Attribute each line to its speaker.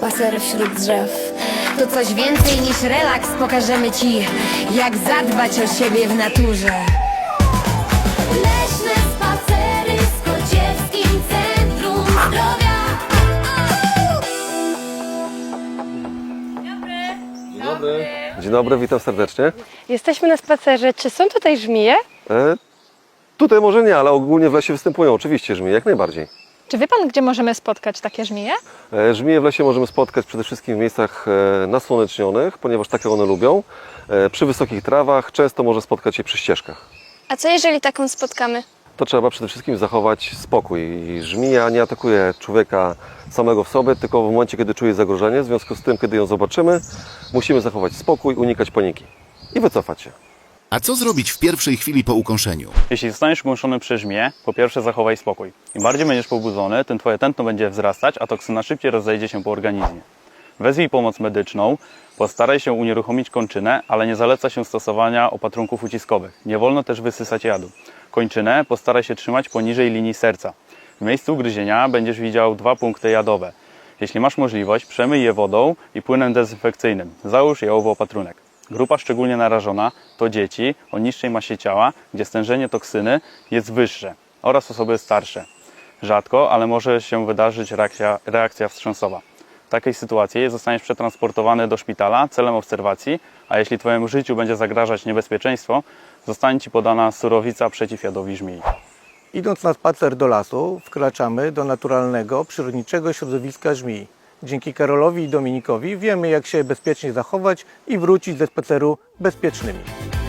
Speaker 1: spacer wśród drzew. To coś więcej niż relaks, pokażemy ci, jak zadbać o siebie w naturze. Leśne spacery z Kociewskim Centrum Zdrowia.
Speaker 2: Dzień dobry, witam serdecznie.
Speaker 3: Jesteśmy na spacerze. Czy są tutaj żmije?
Speaker 2: Tutaj może nie, ale ogólnie w lesie występują oczywiście żmije, jak najbardziej.
Speaker 3: Czy wie pan, gdzie możemy spotkać takie żmije?
Speaker 2: Żmije w lesie możemy spotkać przede wszystkim w miejscach nasłonecznionych, ponieważ takie one lubią. Przy wysokich trawach, często może spotkać je przy ścieżkach.
Speaker 4: A co jeżeli taką spotkamy?
Speaker 2: To trzeba przede wszystkim zachować spokój. I żmija nie atakuje człowieka samego w sobie, tylko w momencie, kiedy czuje zagrożenie. W związku z tym, kiedy ją zobaczymy, musimy zachować spokój, unikać paniki i wycofać się.
Speaker 5: A co zrobić w pierwszej chwili po ukąszeniu?
Speaker 6: Jeśli zostaniesz ukąszony przez żmiję, po pierwsze zachowaj spokój. Im bardziej będziesz pobudzony, tym twoje tętno będzie wzrastać, a toksyna szybciej rozejdzie się po organizmie. Wezwij pomoc medyczną, postaraj się unieruchomić kończynę, ale nie zaleca się stosowania opatrunków uciskowych. Nie wolno też wysysać jadu. Kończynę postaraj się trzymać poniżej linii serca. W miejscu ugryzienia będziesz widział 2 punkty jadowe. Jeśli masz możliwość, przemyj je wodą i płynem dezynfekcyjnym. Załóż jałowy opatrunek. Grupa szczególnie narażona to dzieci o niższej masie ciała, gdzie stężenie toksyny jest wyższe, oraz osoby starsze. Rzadko, ale może się wydarzyć reakcja wstrząsowa. W takiej sytuacji zostaniesz przetransportowany do szpitala celem obserwacji, a jeśli twojemu życiu będzie zagrażać niebezpieczeństwo, zostanie ci podana surowica przeciw jadowi żmii.
Speaker 7: Idąc na spacer do lasu, wkraczamy do naturalnego, przyrodniczego środowiska żmij. Dzięki Karolowi i Dominikowi wiemy, jak się bezpiecznie zachować i wrócić ze spaceru bezpiecznymi.